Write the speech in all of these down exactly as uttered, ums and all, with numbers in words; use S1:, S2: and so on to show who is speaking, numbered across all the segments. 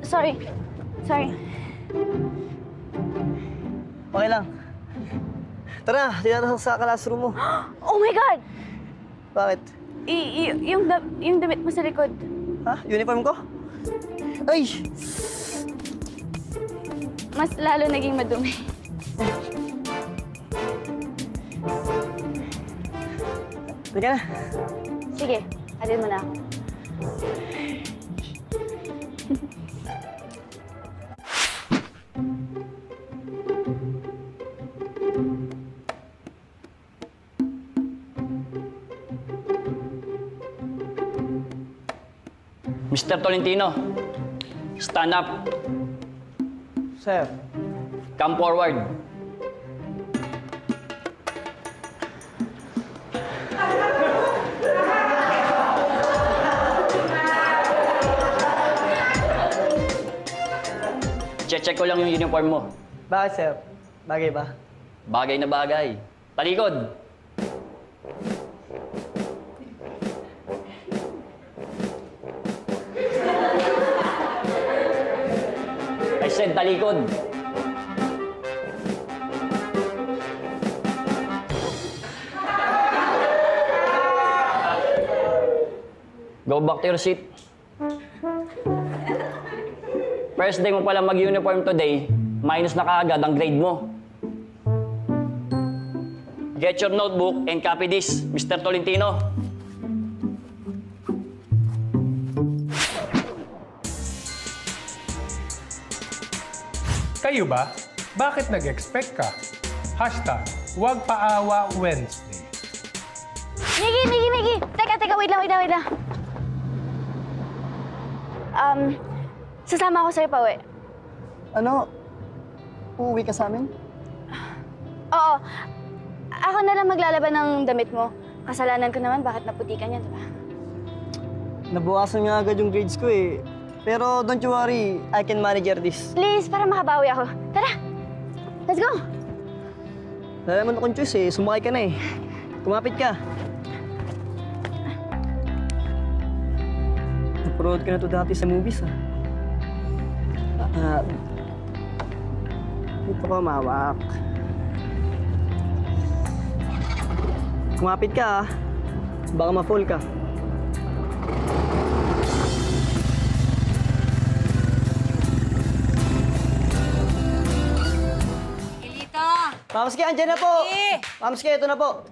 S1: sorry. Sorry.
S2: Okay lang. Tara, tira sa classroom mo.
S1: Oh my God!
S2: Bakit?
S1: I, y- yung, da- yung damit mo sa likod.
S2: Ha? Uniform ko? Ay!
S1: Mas lalo naging madumi.
S2: Teka na.
S1: Sige, alin mo na ako.
S3: Mister Tolentino, stand up.
S2: Sir.
S3: Come forward. Check-check ko lang yung uniform mo.
S2: Bakit, sir? Bagay ba?
S3: Bagay na bagay. Talikod! I said talikod. Go back to your seat. First day mo pala mag-uniform today, minus na kaagad ang grade mo. Get your notebook and copy this, Mister Tolentino.
S4: Kayo ba? Bakit nag-expect ka? Hashtag, huwag paawa Wednesday.
S1: Miggy, Miggy, Miggy! Teka, teka, wait lang, wait lang, wait lang. Um, sasama ako sa'yo pa, uwi.
S2: Ano? Uuwi ka sa amin?
S1: Oo. Ako na lang maglalaban ng damit mo. Kasalanan ko naman, bakit naputikan yan, diba?
S2: Nabukasan nga agad yung grades ko eh. Pero don't you worry, I can manage this.
S1: Please, para makabawi ako. Tara! Let's go!
S2: Wala naman akong choice eh. Sumakay ka na eh. Kumapit ka. Napanood ka na to dati sa movies ah. Ah, dito ka mawak. Kumapit ka ah. Baka ma-fall ka. Mamski, andyan na po! Mamski, ito na po.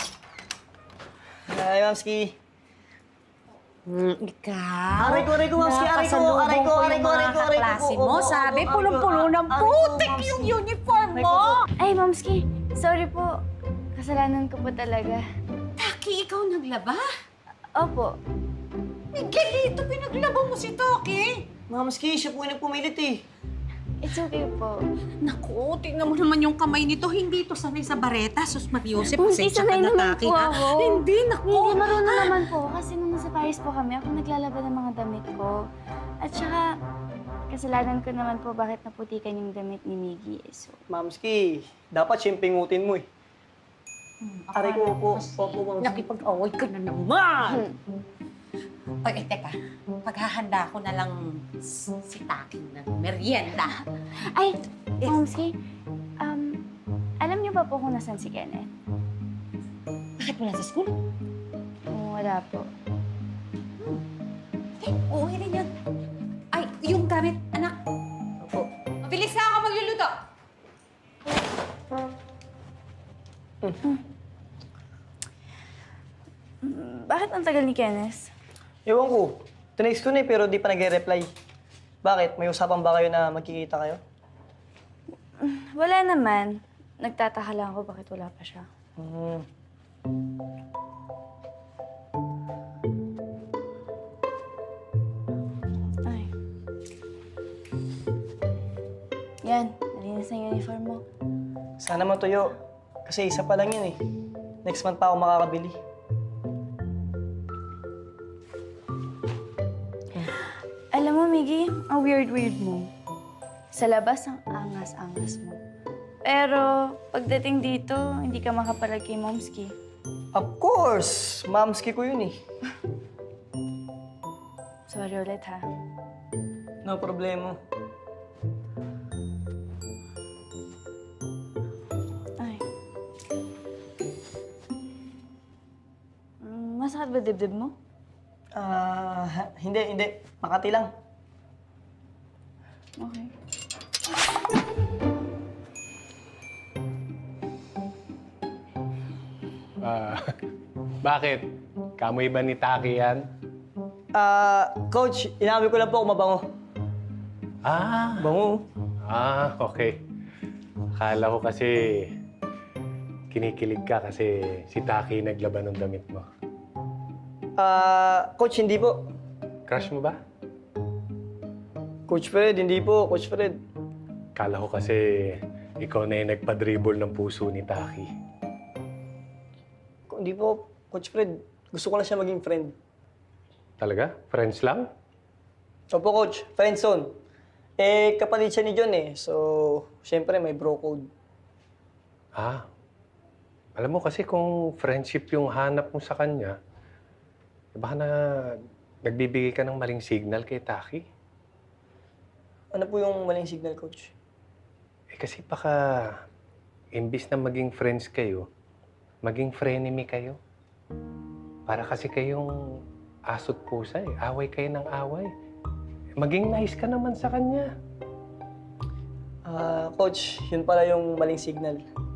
S2: Ay, Mamski.
S5: Mm, ikaw?
S2: Aray ko, aray ko, Mamski, aray ko,
S5: nakasalubong
S2: aray ko,
S5: ko
S2: aray
S5: yung
S2: ko,
S5: mga
S2: aray ko, aray ko,
S5: kaklase
S2: opo,
S5: mo.
S2: opo,
S5: Sabi,
S2: opo,
S5: pulong-pulo ng
S2: aray ko,
S5: putik
S2: Mamski.
S5: yung uniform
S2: Aray
S5: mo.
S2: ko.
S1: Ay, Momski. Sorry po. Kasalanan ko po talaga.
S5: Taki, ikaw naglaba?
S1: Opo.
S5: Miguelito, pinaglaba mo si Taki.
S2: Mamski, siya po yung nagpumilit eh.
S1: It's okay po.
S5: Naku, tingnan mo naman yung kamay nito. Hindi ito sanay sa bareta. Sus Mariosep,
S1: Hindi
S5: pasensya
S1: sanay
S5: ka na,
S1: naman
S5: Taki,
S1: po
S5: ha?
S1: ako.
S5: Hindi, naku.
S1: Hindi, marunong naman po. Kasi nung nasa Paris po kami, ako naglalaban ng mga damit ko. At saka, kasalanan ko naman po bakit naputikan yung damit ni Miggy. So,
S2: Mamski, dapat siyempingutin mo eh. Aray ko, opo, opo, Mamski.
S5: Nakipag-away ka na naman. Oy, eh, teka. Paghahanda ko na lang si Taki ng merienda.
S1: ay, Momski, um, alam niyo ba po kung nasan si Kenneth?
S5: Bakit wala sa school?
S1: Kung wala po.
S5: Eh, uuwi rin yan. Ay, yung gamit, anak.
S2: Opo.
S5: Mabilis na ako magluluto.
S1: Bakit ang tagal ni Kenneth?
S2: Ewan ko, tinext ko na eh, pero di pa nag-reply. Bakit? May usapan ba kayo na magkikita kayo?
S1: Wala naman. Nagtataka lang ako bakit wala pa siya.
S2: Hmm.
S1: Ay. Yan, nalinis na yung uniform mo.
S2: Sana matuyo. Kasi isa pa lang yun eh. Next month pa ako makakabili.
S1: Alam mo, Miggy, ang weird-weird mo. Sa labas, ang angas-angas mo. Pero pagdating dito, hindi ka makapalag kay Momski.
S2: Of course! Mamski ko yun eh.
S1: Sorry ulit, ha?
S2: No problema.
S1: Ay. Mm, masakit ba dibdib mo?
S2: Ah, hindi, hindi. Makati lang.
S1: Okay.
S4: Ah, bakit? Kamoy ba ni Taki yan?
S2: Ah, coach, inamin ko lang po kung mabango.
S4: Ah,
S2: Bango.
S4: ah, okay. Akala ko kasi kinikilig ka kasi si Taki naglaban ng damit mo.
S2: Ah, coach, hindi po.
S4: Crush mo ba?
S2: Coach Fred, hindi po. Coach Fred.
S4: Akala ko kasi ikaw na yung nagpa-dribble ng puso ni Taki.
S2: Ko- Hindi po, Coach Fred. Gusto ko lang siya maging friend.
S4: Talaga? Friends lang?
S2: Opo, Coach. Friend zone. Eh, kapatid siya ni John eh. So, syempre may bro code.
S4: Ah. Alam mo kasi kung friendship yung hanap mo sa kanya, eh baka na nagbibigay ka ng maling signal kay Taki.
S2: Ano po yung maling signal, Coach?
S4: Eh kasi baka imbis na maging friends kayo, maging frenemy kayo. Para kasi kayong aso't pusa eh. Away kayo ng away. Maging nice ka naman sa kanya.
S2: Ah, Coach, yun pala yung maling signal.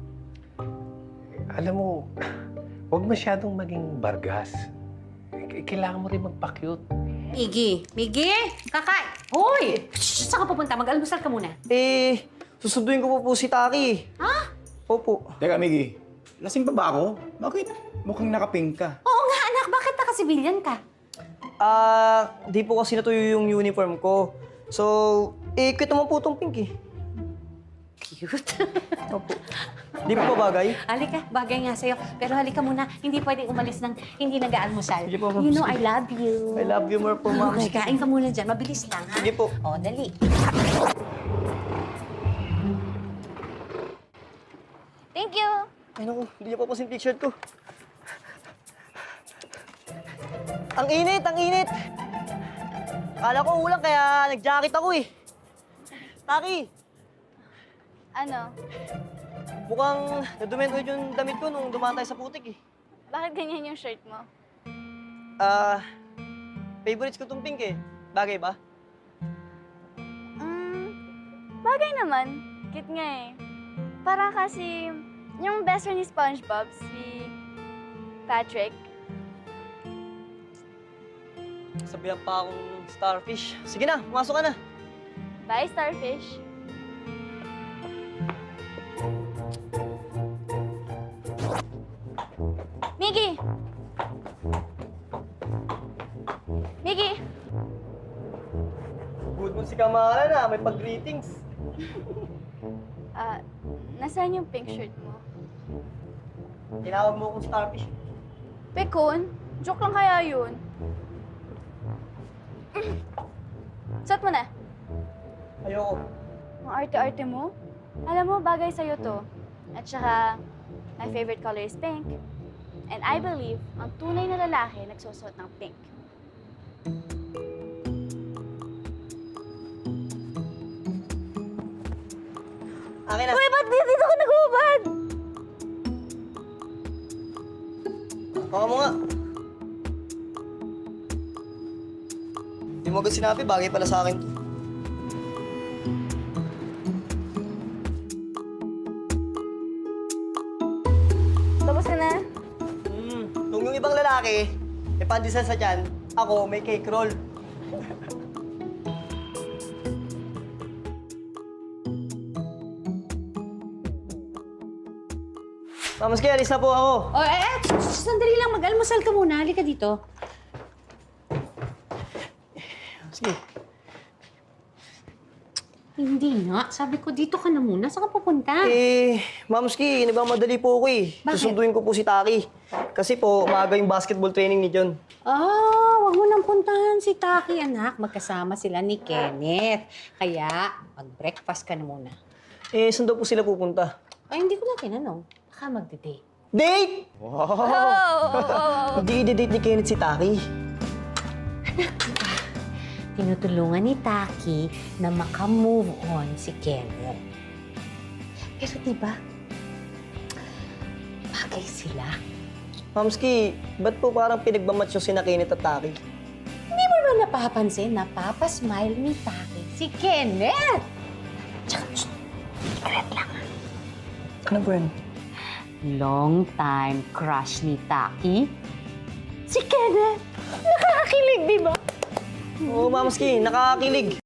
S4: Alam mo, huwag masyadong maging bargas. K- Kailangan mo rin magpa-cute.
S5: Miggy! Miggy! Kakay! Hoy! Shh, saan ka pupunta? Mag-almusal ka muna.
S2: Eh, susunduin ko po po si Taki.
S5: Ha?
S2: Opo.
S6: Teka, Miggy. Lasing pa ba ako? Bakit mukhang nakapink ka?
S5: Oo nga, anak. Bakit naka-civilian ka?
S2: Ah, di po kasi natuyo yung uniform ko. So, eh, cute naman po itong pink eh.
S5: Cute.
S2: Opo. Di po ba bagay?
S5: Halika, bagay nga sa'yo. Pero halika muna, hindi pwedeng umalis ng hindi nag-aalmusal.
S2: Sige po, ma'am.
S5: You know, I love you.
S2: I love you more po, ma'am.
S5: Okay, kain ka muna dyan. Mabilis lang, ha?
S2: Sige po.
S5: O, dali.
S1: Thank you!
S2: Ay naku, hindi niya papasin t-shirt ko. Ang init, ang init! Akala ko ulang kaya nag-jacket ako eh. Taki,
S1: Ano?
S2: mukhang nadumento yung damit ko nung dumaan tayo sa putik eh.
S1: Bakit ganyan yung shirt mo?
S2: Ah, favorites ko tong pink eh. Bagay ba?
S1: Mm, bagay naman. Cute nga eh. Para kasi yung best friend ni SpongeBob, si Patrick.
S2: Sabihan pa akong starfish. Sige na, pumasok ka na.
S1: Bye, Starfish. Miggy! Miggy!
S2: Good mo si Kamala na, may pag-greetings.
S1: Ah, nasaan yung pink shirt mo?
S2: Tinawag mo akong starfish.
S1: Pekon? Joke lang kaya yun. Suot mo na.
S2: Ayoko.
S1: Ang arte-arte mo. Alam mo, bagay sa'yo to. At saka, my favorite color is pink. And I believe, ang tunay na lalaki nagsusuot ng pink.
S2: Akin na.
S1: Uy, ba't dito ka nagubad?
S2: Baka mo nga. Di mo agad sinabi, bagay pala sa akin to.
S1: Tapos ka na?
S2: Hmm, nung yung ibang lalaki, may pandesal sa tiyan, ako may cake roll. Mama's kaya, alis na po ako.
S5: O, eh, eh, shh, sandali lang. Mag-almusal ka muna. Halika dito.
S2: Sige.
S5: Hindi nga. Sabi ko, dito ka na muna. Saan ka pupunta?
S2: Eh, Mamski, nagmamadali po ako eh.
S5: Bakit?
S2: Susunduin ko po si Taki. Kasi po, umaga yung basketball training ni John.
S5: Ah, wag mo nang puntahan si Taki, anak. Magkasama sila ni Kenneth. Kaya, mag-breakfast ka na muna.
S2: Eh, saan daw po sila pupunta?
S5: Ay, hindi ko na tinanong. Baka magde-date.
S2: Date!
S1: Oh, oh, oh, oh.
S2: Hindi i-date ni Kenneth si Taki.
S5: tinutulungan ni Taki na makamove on si Kenneth. Pero diba, bagay sila.
S2: Mamski, ba't po parang pinagmamatch yung sinakinit at Taki?
S5: Hindi mo ba napapansin, napapasmile ni Taki si Kenneth? Tsaka, shh, secret lang.
S2: Ano po yun?
S5: Long time crush ni Taki, si Kenneth. Nakakakilig, di ba?
S2: Oo, Mamski, nakakakilig.